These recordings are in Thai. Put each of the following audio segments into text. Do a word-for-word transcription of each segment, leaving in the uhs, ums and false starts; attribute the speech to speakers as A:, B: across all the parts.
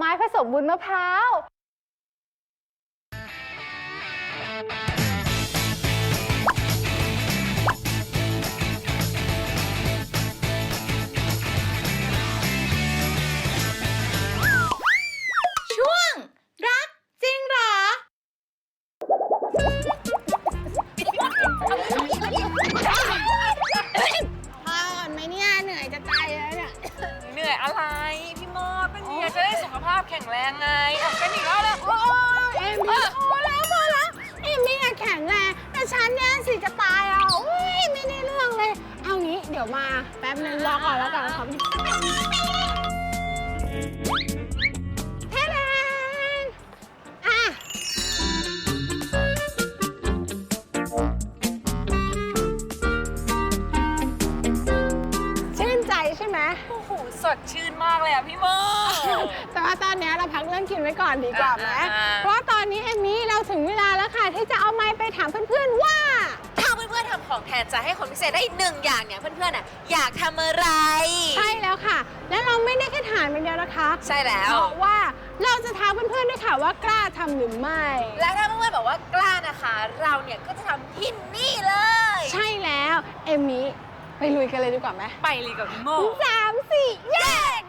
A: ม้ผสมวุ้นมะพร้าว
B: ช่วงรักจริงเหรอพอก่อนไหมเนี่ยเหนื่อยจะตายแล้วเนี่ย
C: เหนื่อยอะไรพี่โมดเป็นเมียจะได้สุขภาพแข็งแรงไงอ่ะเป็นอีกแล้วเลยโอ้ย
A: เอมมี่พอแล้วพอแล้วเอมมี่แข็งแรงแต่ฉันเนี่ยสิจะตายอ่ะโอ้ยไม่ได้เรื่องเลยเอางี้เดี๋ยวมาแป๊บนึงรอก่อนแล้วกันครับเท่แรงอ่ะชื่นใจใช่ไหม
C: โอ้โหสดชื่นมากเลยอ่ะพี่โมด
A: แต่ว่าตอนนี้เราพักเรื่องกินไว้ก่อนดีกว่าไหม
C: อ่าๆ
A: เพราะว่าตอนนี้เอมมี่เราถึงเวลาแล้วค่ะที่จะเอาไมค์ไปถามเพื่อนๆว่า
B: ถ้าเพื่อนๆทำของแทนใจให้คนพิเศษได้หนึ่งอย่างเนี่ยเพื่อนๆอ่ะอยากทำอะไร
A: ใช่แล้วค่ะ และเราไม่ได้แค่ถามอย่างเดียวนะคะ
B: ใช่แล้ว
A: เพราะว่าเราจะถามเพื่อนๆด้วยค่ะว่ากล้าทำหรือไม่
B: และถ้าเพื่อนๆบอกว่ากล้านะคะ เราเนี่ยก็จะทำที่นี่เลย
A: ใช่แล้วเอมมี่ไปลุยกันเลยดีกว่าไหม
C: ไปเลยกับพี่โมด
A: สามสี่แยก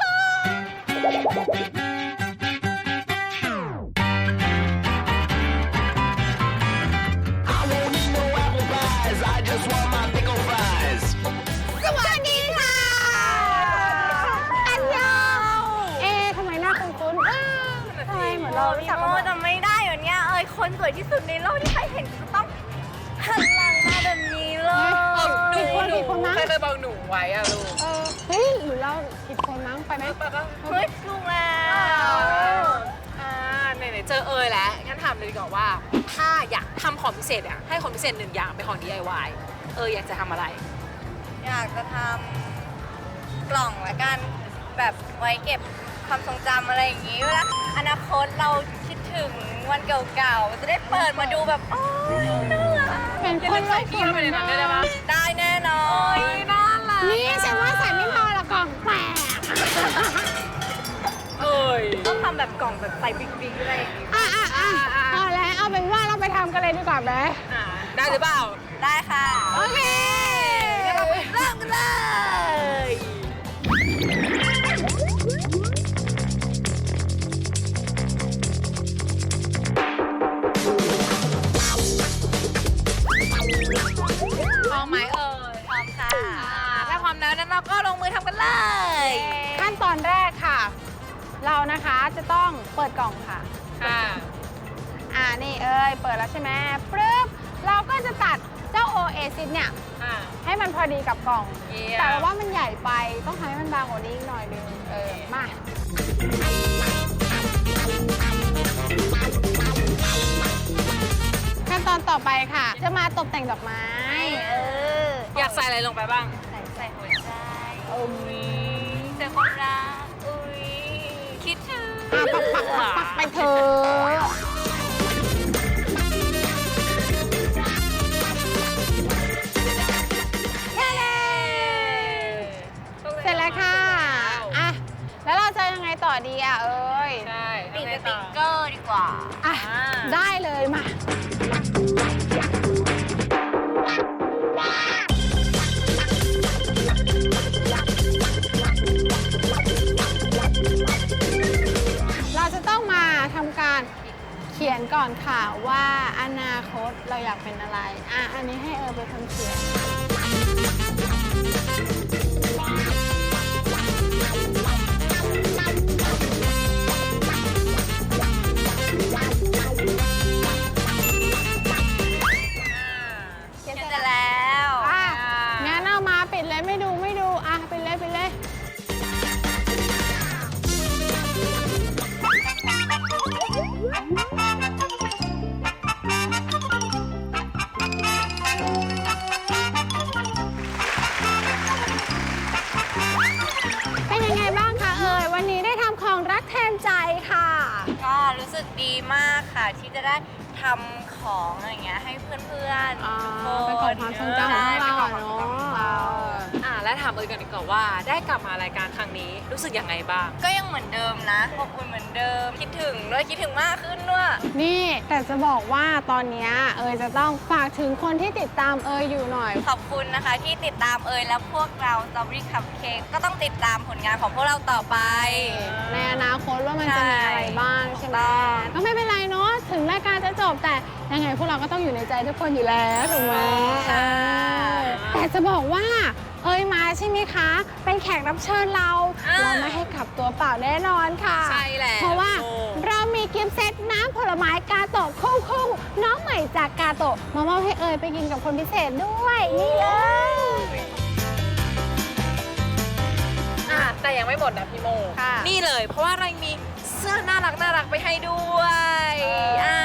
A: สวัสดีค่ะ อันยองเอ๊ะทำไมหน้าคุ้นๆเอ้าทำไมเหมือนเรารู้
B: พี่
A: จัก
B: โม
A: กัน
B: จำไม่ได้เหรอเนี่ยเอ้ยคนสวยที่สุดในโลกที่ใครเห็นก็ต้องหันหลังมาแบบนี้เลย
A: ผิดคนผิดคนมั้ง
C: ใครเคยบอกหนูไว้อ่ะลูก
A: เออเฮ้ยหรือเราผิดคนมั้งไปไหม
C: ไปปะ
B: เฮ้ยถูกแล้ว
C: อ่าไหนๆเจอเอยแล้วงั้นถามเลยดีกว่าว่าถ้าอยากทำของพิเศษอ่ะให้คนพิเศษหนึ่งอย่างเป็นของ ดี ไอ วาย เอออยากจะทำอะไร
B: อยากจะทำกล่องละกันแบบไว้เก็บความทรงจำอะไรอย่างนี้เวลาอนาคตเราคิดถึงวันเก่าๆจะได้เปิดมาดูแบบโอ้ยน่ารัก
A: เป็นคนโลก
C: พี่เข้าไปในนั้นได้ไหม
B: ได้แน่นอน
C: น่ารัก
A: นี่ฉันว่าใส่ไม่พอละกล่องแตก
C: เอ้ย
B: ต้องทำแบบกล่องแบบใส่บิ๊กๆอะไรอย่างนี้
A: อ่ะอ่ะอ่ะเอาแล้วเอาเป็นว่าเราไปทำกันเลยดีกว่าไหม
C: อ่าได้หรือเปล่า
B: ได้ค่ะ
A: โอเค
B: เริ่มกันเลย
C: พร้อมไหมเอ่ย
B: พร้อมค่ะ
C: ถ้าพร้อมแล้วนั้นเราก็ลงมือทำกันเลย
A: ขั้นตอนแรกค่ะ เรานะคะจะต้องเปิดกล่องค่ะ
C: ค่ะ
A: อ่านี่เอ้ยเปิดแล้วใช่ไหมปึ๊บเราก็จะตัดเจ้าโอเอซิสเนี่ย
C: อ่า
A: ให้มันพอดีกับกล่อง
C: เยี่ยม
A: แต่ว่ามันใหญ่ไปต้องทำให้มันบางกว่านี้อีกหน่อยนึงเออมาขั้นตอนต่อไปค่ะ จะมาตกแต่งดอกไม้
B: เออ
C: อยากใส่อะไรลงไปบ้าง
B: ใส่ใส่หัวใจ
A: อุ้ย
B: ใส่ความรักอุ้ยคิดถึง
A: อ่ะปักปักปักปักไปเถอะ เสร็จแล้วค่ะ อ่ะ แล้วเราจะยังไงต่อดีอ่ะ เอ้ย
C: ใช่
B: ติดสติ๊กเกอร์ดีกว่า
A: อ่ะ ได้เลยมา เราจะต้องมาทำการเขียนก่อนค่ะว่าอนาคตเราอยากเป็นอะไร อ่ะ อันนี้ให้เออไปทำเขียน
B: เขียนเสร็จแล้ว
A: อ่ะ งั้นเอามาปิดเลยไม่ดูไม่ดู อ่ะปิดเลยปิดเลย เป็นยังไงบ้างคะเอ่ย วันนี้ได้ทำของรักแทนใจค่ะ
B: ก็รู้สึกดีมากค่ะที่จะได้ทำของอะไรเงี้ยให้เพื่อน
A: อ่า
B: ๆทุกคน
A: เป็นของความทรงจำของเราอะเนาะ
B: ใช่เป็นของความทรงจำของเรา
C: อ่าและถามเอยกันดีกว่าว่าได้กลับมารายการครั้งนี้รู้สึกยังไงบ้าง
B: ก็ยังเหมือนเดิมนะอบอุ่นเหมือนเดิมคิดถึงด้วยคิดถึงมากขึ้นด้วย
A: นี่แต่จะบอกว่าตอนเนี้ยเอยจะต้องฝากถึงคนที่ติดตามเอยอยู่หน่อย
B: ขอบคุณนะคะที่ติดตามเอยและพวกเรา Strawberry Cupcake ก็ต้องติดตามผลงานของพวกเราต่อไป
A: ในอนาคตว่ามันจะมีอะไรบ้างใช่ไหม
B: ถูกต้อง
A: ก็ไม่เป็นไรเนาะถึงรายการจะจบแต่ยังไงพวกเราก็ต้องอยู่ในใจทุกคนอยู่แล้วถูกไหม
B: ค่ะ
A: แต่จะบอกว่าเอ้ยมาใช่ไหมคะ เป็นแขกรับเชิญเรา เราไม่ให้กลับตัวเปล่าแน่นอนค่ะ
C: ใช่แล้ว
A: เพราะว่า
C: โอ้
A: เรามีกิฟต์เซตน้ำผลไม้กาโตะคู่คู่น้องใหม่จากกาโตะมามอบให้เอยไปกินกับคนพิเศษด้วยนี่เลย
C: อ่ะแต่ยังไม่หมดนะพี่โม
A: ค่ะ
C: นี่เลยเพราะว่าเรามีเสื้อน่ารักน่ารักไปให้ด้วย
A: เอออ่
C: อ่า